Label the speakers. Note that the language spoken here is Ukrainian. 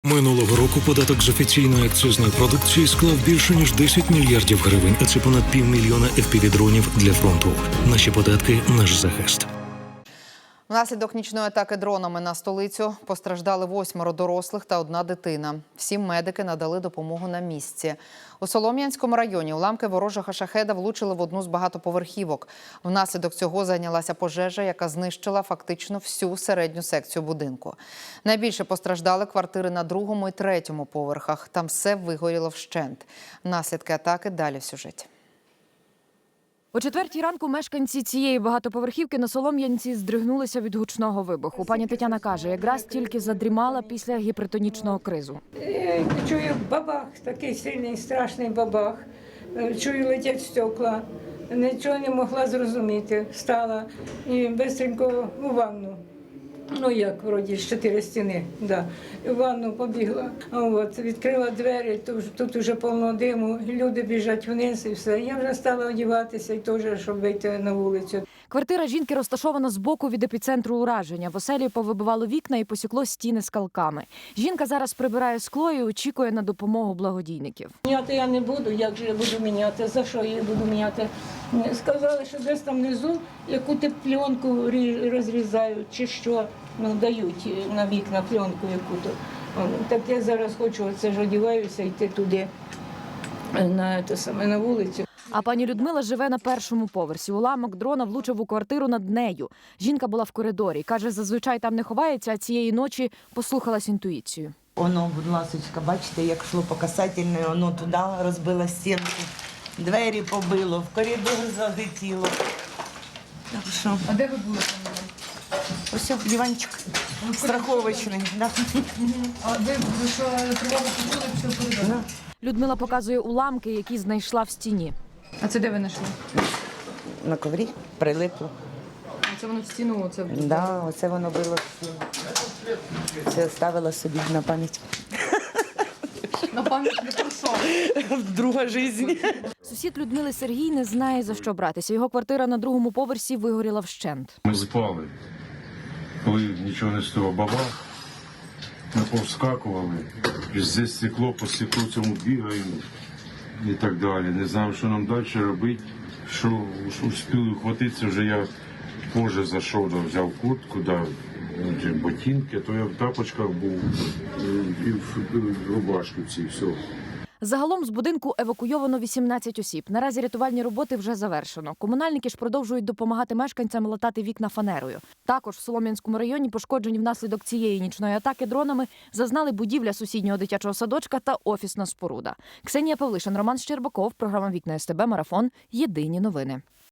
Speaker 1: Минулого року податок з офіційної акцизної продукції склав більше ніж 10 мільярдів гривень, а це понад 500 000 FPV-дронів для фронту. Наші податки – наш захист.
Speaker 2: Внаслідок нічної атаки дронами на столицю постраждали 8 дорослих та 1 дитина. Всім медики надали допомогу на місці. У Солом'янському районі уламки ворожого шахеда влучили в одну з багатоповерхівок. Внаслідок цього зайнялася пожежа, яка знищила фактично всю середню секцію будинку. Найбільше постраждали квартири на 2-му і 3-му поверхах. Там все вигоріло вщент. Наслідки атаки далі в сюжеті.
Speaker 3: О 4-й ранку мешканці цієї багатоповерхівки на Солом'янці здригнулися від гучного вибуху. Пані Тетяна каже, якраз тільки задрімала після гіпертонічного кризу.
Speaker 4: Чую бабах, такий сильний, страшний бабах. Чую, летять стекла. Нічого не могла зрозуміти. Встала і швидко у ванну. Ну як, вроді, з 4 стіни, да. В ванну побігла, відкрила двері, тут вже повно диму, люди біжать вниз і все. Я вже стала одягатися і теж, щоб вийти на вулицю.
Speaker 3: Квартира жінки розташована збоку від епіцентру ураження. В оселі повибивало вікна і посікло стіни скалками. Жінка зараз прибирає скло і очікує на допомогу благодійників.
Speaker 4: Міняти я не буду, як же я буду міняти, за що я буду міняти. Сказали, що десь там внизу яку-то пленку розрізають чи що, дають на вікна пленку яку-то. Так я зараз хочу, оце ж одягаюся, йти туди, на вулицю.
Speaker 3: А пані Людмила живе на 1-му поверсі. Уламок дрона влучив у квартиру над нею. Жінка була в коридорі. Каже, зазвичай там не ховається, а цієї ночі послухалась інтуїцію.
Speaker 5: Воно, будь ласочка, бачите, як йшло по касательної, воно туди розбило стінку. Двері побило, в коридор залетіло. Так що?
Speaker 3: А де ви були?
Speaker 5: Ось диванчик страховочний. Да.
Speaker 3: А ви що, тривогу почули всю коридор? Людмила показує уламки, які знайшла в стіні.
Speaker 6: А це де ви знайшли?
Speaker 5: На коврі прилипло.
Speaker 6: Це воно в стіну? Оце...
Speaker 5: Да, оце воно било в стіну. Це ставила собі на пам'ять.
Speaker 6: На пам'ять не про що?
Speaker 5: Друга життя.
Speaker 3: Сусід Людмили Сергій не знає, за що братися. Його квартира на 2-му поверсі вигоріла вщент.
Speaker 7: Ми спали, коли нічого не стояло, бабах, ми повскакували, здесь стекло, по стеклу цьому бігаємо і так далі. Не знаємо, що нам далі робити, що успіли вхватитися, вже я позже зайшов, взяв куртку, ботинки, то я в тапочках був, і в рубашку цій, все.
Speaker 3: Загалом з будинку евакуйовано 18 осіб. Наразі рятувальні роботи вже завершено. Комунальники ж продовжують допомагати мешканцям латати вікна фанерою. Також в Солом'янському районі пошкоджені внаслідок цієї нічної атаки дронами зазнали будівля сусіднього дитячого садочка та офісна споруда. Ксенія Павлишин, Роман Щербаков, програма «Вікна СТБ», Марафон. Єдині новини.